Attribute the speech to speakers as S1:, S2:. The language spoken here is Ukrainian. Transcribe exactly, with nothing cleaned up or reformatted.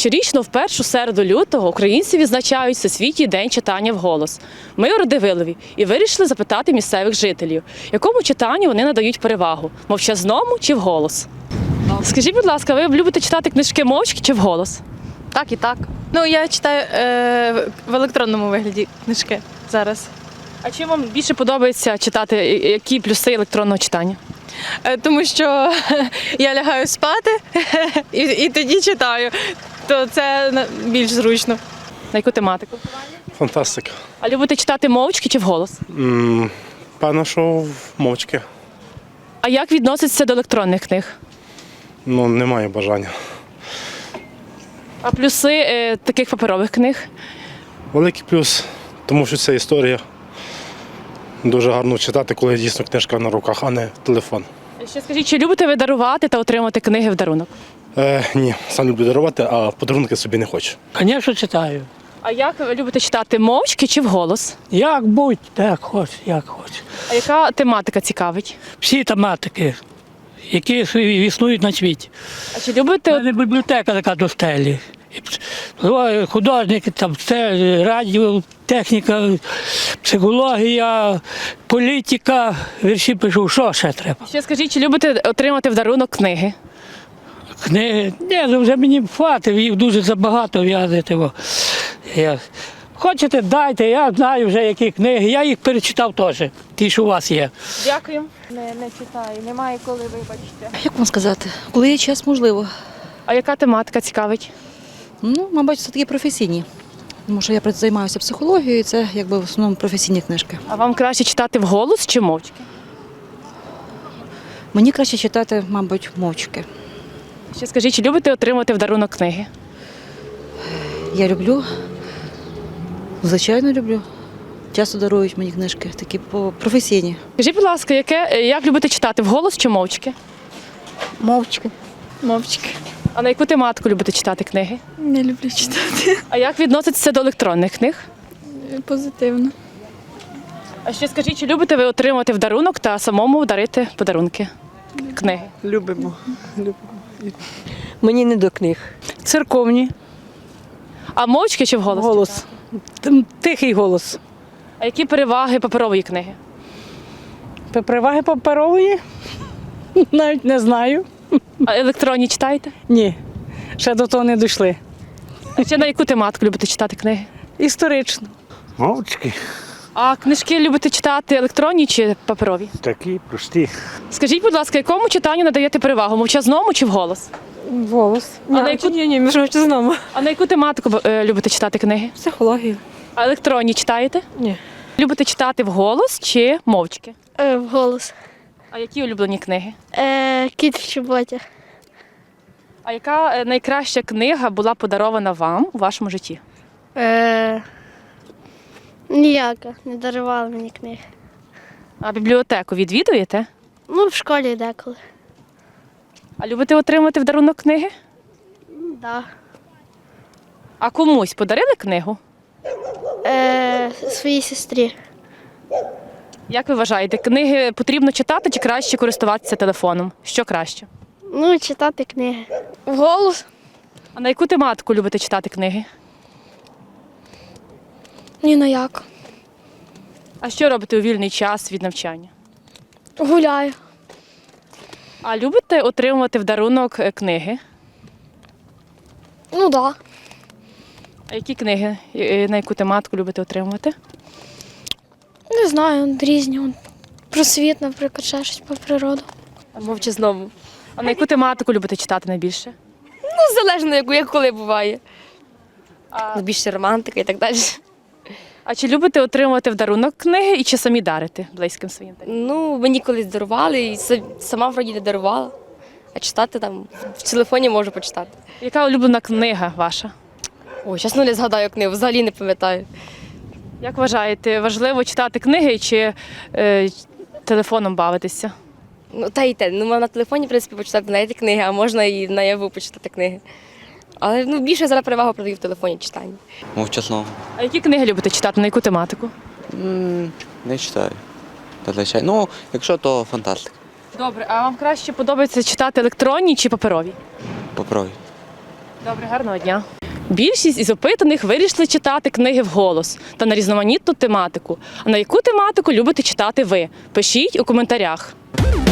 S1: Щорічно в першу середу лютого українці відзначають Всесвітній день читання вголос. Ми у Радивилові і вирішили запитати місцевих жителів, якому читанню вони надають перевагу – мовчазному чи вголос. Скажіть, будь ласка, ви любите читати книжки мовчки чи вголос?
S2: Так і так. Ну, я читаю е, в електронному вигляді книжки зараз.
S1: А чим вам більше подобається читати, які плюси електронного читання?
S2: Е, тому що я лягаю спати і, і тоді читаю, то це на- більш зручно.
S1: На яку тематику?
S3: Фантастика.
S1: А любите читати мовчки чи вголос?
S3: М, Певно, що мовчки.
S1: А як відноситься до електронних книг?
S3: Ну, немає бажання.
S1: А плюси е, таких паперових книг?
S3: Великий плюс, тому що це історія. Дуже гарно читати, коли дійсно книжка на руках, а не телефон.
S1: Ще скажіть, чи любите ви дарувати та отримувати книги в дарунок?
S3: Е, ні, сам люблю дарувати, а подарунки собі не хочу.
S4: Звісно, читаю.
S1: А як ви любите читати мовчки чи вголос?
S4: Як будь, так хоч, як хоч.
S1: А яка тематика цікавить?
S4: Всі тематики, які існують на світі.
S1: А чи
S4: У
S1: любите
S4: мене бібліотека така до стелі. І п- Художники, там, все, радіо, техніка, психологія, політика, вірші пишу, що ще треба?
S1: ще скажіть, чи любите отримати в дарунок книги?
S4: Книги, ні, ну, вже мені хватить, їх дуже забагато в'язати. во. Я... Хочете, дайте, я знаю вже які книги, я їх перечитав теж, ті, що у вас є.
S1: Дякую.
S2: Не, не читаю, немає коли, вибачте.
S5: Як вам сказати, коли є час, можливо.
S1: А яка тематика цікавить?
S5: Ну, мабуть, це такі професійні. Тому що я працю- займаюся психологією, і це якби в основному професійні книжки.
S1: А вам краще читати вголос чи мовчки?
S5: Мені краще читати, мабуть, мовчки.
S1: Ще скажіть, чи любите отримувати в дарунок книги?
S5: Я люблю, звичайно, люблю. Часто дарують мені книжки, такі по- професійні.
S1: Скажіть, будь ласка, яке, е, як любите читати вголос чи мовчки?
S6: Мовчки.
S2: Мовчки.
S1: А на яку тематику любите читати книги?
S6: Не люблю читати.
S1: А як відноситься до електронних книг?
S6: Позитивно.
S1: А ще скажіть, чи любите ви отримати в дарунок та самому дарити подарунки? Книги.
S7: Любимо. Любимо. Мені не до книг.
S1: Церковні. А мовчки чи вголос?
S7: Голос. Тим- Тихий голос.
S1: А які переваги паперової книги?
S7: Переваги паперової? Навіть не знаю.
S1: А електронні читаєте?
S7: Ні. Ще до того не дійшли.
S1: А ще на яку тематику любите читати книги?
S7: Історично.
S8: Мовчки
S1: А книжки любите читати електронні чи паперові?
S8: такі прості.
S1: Скажіть, будь ласка, якому читанню надаєте перевагу? Мовчазному чи вголос?
S7: Голос.
S1: А на яку-
S7: Ні, ні, між мовчазному.
S1: А на яку тематику е, любите читати книги?
S7: Психологію.
S1: А електронні читаєте?
S7: Ні.
S1: Любите читати вголос чи мовчки?
S6: Е, вголос.
S1: А які улюблені книги?
S6: Е, кіт в чоботях.
S1: А яка е, найкраща книга була подарована вам у вашому житті?
S6: Е, ніяка. Не дарували мені книг.
S1: А бібліотеку відвідуєте?
S6: Ну, в школі деколи.
S1: А любите отримати в дарунок книги?
S6: Да.
S1: А комусь подарили книгу?
S6: Е, своїй сестрі.
S1: Як ви вважаєте, книги потрібно читати чи краще користуватися телефоном? Що краще?
S6: Ну, читати книги. Вголос?
S1: А на яку тематику любите читати книги?
S6: Ні на як.
S1: А що робите у вільний час від навчання?
S6: Гуляю.
S1: А любите отримувати в дарунок е, книги?
S6: Ну, да.
S1: А які книги, е, на яку тематику любите отримувати?
S6: Не знаю, різні. Он, про світ, наприклад, ще щось про природу.
S2: Мовчазному.
S1: А на яку тематику любите читати найбільше?
S2: Ну, залежно, як, як коли буває.
S1: А,
S2: Більше романтика і так далі.
S1: а чи любите отримувати в дарунок книги і чи самі дарити близьким своїм?
S9: Ну, мені колись дарували, і са- сама вроді не дарувала. А читати там в телефоні можу почитати.
S1: Яка улюблена книга ваша?
S9: Ой, зараз ну не згадаю книгу, взагалі не пам'ятаю.
S1: Як вважаєте, важливо читати книги чи е, телефоном бавитися?
S9: Ну, та й те. Ну, можна на телефоні, в принципі, почитати знаєте, книги, а можна і наяву почитати книги. Але ну, більше зараз перевагу продаю в телефоні читання.
S10: Мовчасно.
S1: А які книги любите читати? На яку тематику?
S10: М, Не читаю. Зазвичай. Ну, якщо, то фантастика.
S1: Добре, а вам краще подобається читати електронні чи паперові?
S10: Попробуй.
S1: Добре, гарного дня. Більшість із опитаних вирішили читати книги вголос та на різноманітну тематику. А на яку тематику любите читати ви? Пишіть у коментарях.